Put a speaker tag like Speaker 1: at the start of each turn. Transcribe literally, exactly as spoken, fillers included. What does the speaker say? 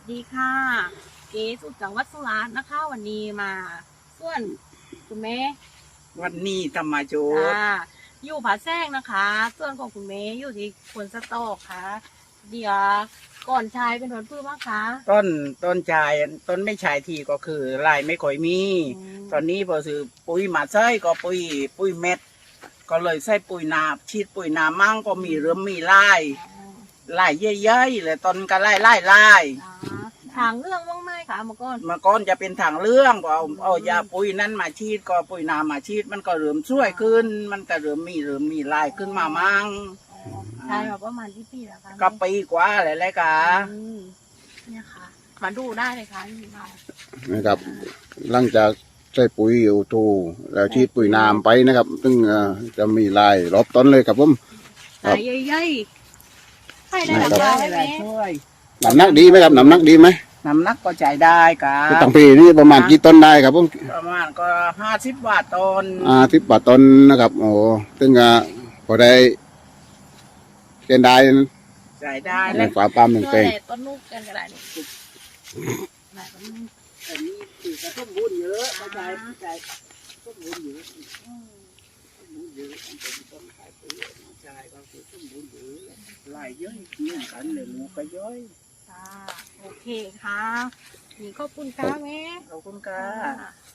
Speaker 1: ดีค่ะเก๋สุดจังหวัดสุราษฎร์นะคะ วันนี้มาส่วนคุณแม่
Speaker 2: วันนี้ธรรมโจทย์
Speaker 1: อ่าอยู่ผาแซงนะคะ ส่วนของคุณแม่อยู่ที่ควนสตอกค่ะ เดี๋ยวก่อนชายเป็นผลพืชบ้างคะ
Speaker 2: ต้นต้นชายต้นไม่ชายทีก็คือลายไม่ค่อยมี ตอนนี้พอซื้อปุ๋ยมาใส่ก็ปุ๋ยปุ๋ยเม็ด ก็เลยใส่ปุ๋ยนาฉีดปุ๋ยนามั่งก็มีเริ่มมีลายลายเยอะๆเลยต้นก็ไล่ไล่ไล่
Speaker 1: ทางเรื่องบ้างไหมคะเมื่อก่อน
Speaker 2: เมื่อก่อนจะเป็นถังเรื่องก็เอาเอายาปุ๋ยนั้นมาฉีดก็ปุ๋ยนามาฉีดมันก็เริ่มช่วยขึ้น มันก็เริ่มมีเริ่มมีลายขึ้นมามั่ง
Speaker 1: ใช่แบบประมาณที่ปีแล้วคะ
Speaker 2: ก็ปีกว่าอะไรเลยค่ะ
Speaker 1: เนี่ยค่ะมาดูได้เลยค่ะนี่ค่ะ
Speaker 3: นะครับหลังจากใส่ปุ๋ยโอทูแล้วฉีดปุ๋ยน้ำไปนะครับ ซึ่งจะมีลายรอบต้นเลยครับผม
Speaker 1: ลายใหญ่ๆให้ได้หลังคาได้ไหม
Speaker 3: น้ำหนักดีไหมครับน้ำหนักดีไหม
Speaker 2: น้ำหนักก็ใจได้ครับ
Speaker 3: ตั้งปีนี้ประมาณกี่ต้นได้ครับผม
Speaker 2: ประมาณก็ห้าสิบบาทต้น
Speaker 3: อ่าสิบบาทต้นนะครับโอ้ซึ่งพอได้เกณฑ์ได้
Speaker 2: ใจได้
Speaker 3: ในฝาปั๊มหนึ่งเต็ง
Speaker 1: ต้นลูกกันก็ได้
Speaker 2: แต่นี่คือกระทุ่มบุญเยอะเข้าใจเข้าใจต้นบุญเยอะต้นบุญเยอะต้องเป็นต้นขายปุ๋ยน้องชายก็คือต้นบุญเยอะหลายเยอะเนี่ยกันเลยลูกก็ย่อย
Speaker 1: ค่ะโอเคค่ะนี่ขอบคุณค่ะแม่
Speaker 2: ขอบคุณค่ะ